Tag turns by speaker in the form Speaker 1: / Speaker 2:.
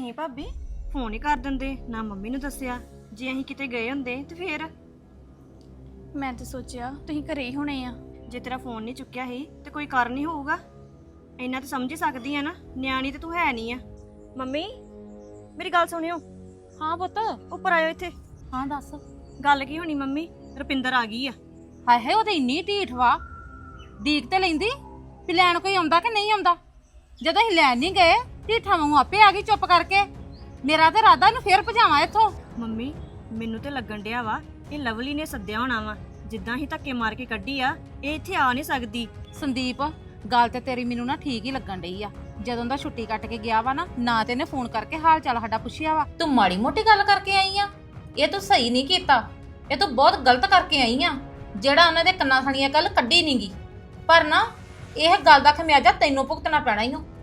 Speaker 1: ਤੁਸੀਂ ਭਾਬੀ ਫੋਨ ਹੀ ਕਰ ਦਿੰਦੇ, ਨਾ ਮੰਮੀ ਨੂੰ ਦੱਸਿਆ। ਜੇ ਅਸੀਂ ਕਿਤੇ ਗਏ ਹੁੰਦੇ ਤੇ ਫੇਰ?
Speaker 2: ਮੈਂ ਤਾਂ ਸੋਚਿਆ ਤੁਸੀਂ ਘਰੇ ਹੀ ਹੋਣੇ ਆ।
Speaker 1: ਜੇ ਤੇਰਾ ਫੋਨ ਨਹੀਂ ਚੁੱਕਿਆ ਸੀ ਤੇ ਕੋਈ ਕਾਰਨ ਹੀ ਹੋਊਗਾ। ਇੰਨਾ ਤਾਂ ਸਮਝ ਹੀ ਸਕਦੀ ਆ ਨਾ, ਨਿਆਣੀ ਤੇ ਤੂੰ ਹੈ ਨਹੀਂ ਆ। ਮੰਮੀ ਮੇਰੀ ਗੱਲ ਸੁਣਿਓ।
Speaker 3: ਹਾਂ ਪੁੱਤ।
Speaker 1: ਉੱਪਰ ਆਇਓ ਇੱਥੇ।
Speaker 3: ਹਾਂ ਦੱਸ।
Speaker 1: ਗੱਲ ਕੀ ਹੋਣੀ ਮੰਮੀ? ਰੁਪਿੰਦਰ ਆ ਗਈ ਆ।
Speaker 3: ਹਾਏ ਹਾਏ, ਉਹ ਤੇ ਇੰਨੀ ਢੀਠ ਵਾ, ਡੀਕ ਤੇ ਲੈਂਦੀ ਵੀ ਲੈਣ ਕੋਈ ਆਉਂਦਾ ਕਿ ਨਹੀਂ ਆਉਂਦਾ। ਜਦੋਂ ਅਸੀਂ ਲੈਣ ਨਹੀਂ ਗਏ ਢੀਠਾਂ ਵਾਂਗੂ ਆਪੇ ਆ ਗਈ ਚੁੱਪ ਕਰਕੇ। ਮੇਰਾ ਤੇ ਇਰਾਦਾ ਇਹਨੂੰ ਫੇਰ ਭਜਾਵਾਂ ਇੱਥੋਂ।
Speaker 1: ਮੰਮੀ ਮੈਨੂੰ ਤੇ ਲੱਗਣ ਡਿਆ ਵਾ ਇਹ ਲਵਲੀ ਨੇ ਸੱਦਿਆ ਹੋਣਾ ਵਾ। ਜਿੱਦਾਂ ਹੀ ਧੱਕੇ ਮਾਰ ਕੇ ਕੱਢੀ ਆ, ਇਹ ਇੱਥੇ ਆ ਨਹੀਂ ਸਕਦੀ।
Speaker 3: ਸੰਦੀਪ, ਗੱਲ ਤੇ ਤੇਰੀ ਮੈਨੂੰ ਨਾ ਠੀਕ ਹੀ ਲੱਗਣ ਡਈ ਆ। ਜਦੋਂ ਦਾ ਛੁੱਟੀ ਕੱਟ ਕੇ ਗਿਆ ਵਾ ਨਾ ਤੇ ਇਹਨੇ ਫੋਨ ਕਰਕੇ ਹਾਲ ਚਾਲ ਸਾਡਾ ਪੁੱਛਿਆ ਵਾ। ਤੂੰ ਮਾੜੀ ਮੋਟੀ ਗੱਲ ਕਰਕੇ ਆਈ ਆ, ਇਹ ਤੂੰ ਸਹੀ ਨਹੀਂ ਕੀਤਾ। ਇਹ ਤੂੰ ਬਹੁਤ ਗਲਤ ਕਰਕੇ ਆਈ ਆ, ਜਿਹੜਾ ਉਹਨਾਂ ਦੇ ਕੰਨਾਂ ਥਣੀਆਂ ਕੱਲ ਕੱਢੀ ਨਹੀਂਗੀ। ਪਰ ਨਾ ਇਹ ਗੱਲ ਦਾ ਖਮਿਆਜਾ ਤੈਨੂੰ ਭੁਗਤਣਾ ਪੈਣਾ ਈ ਓ।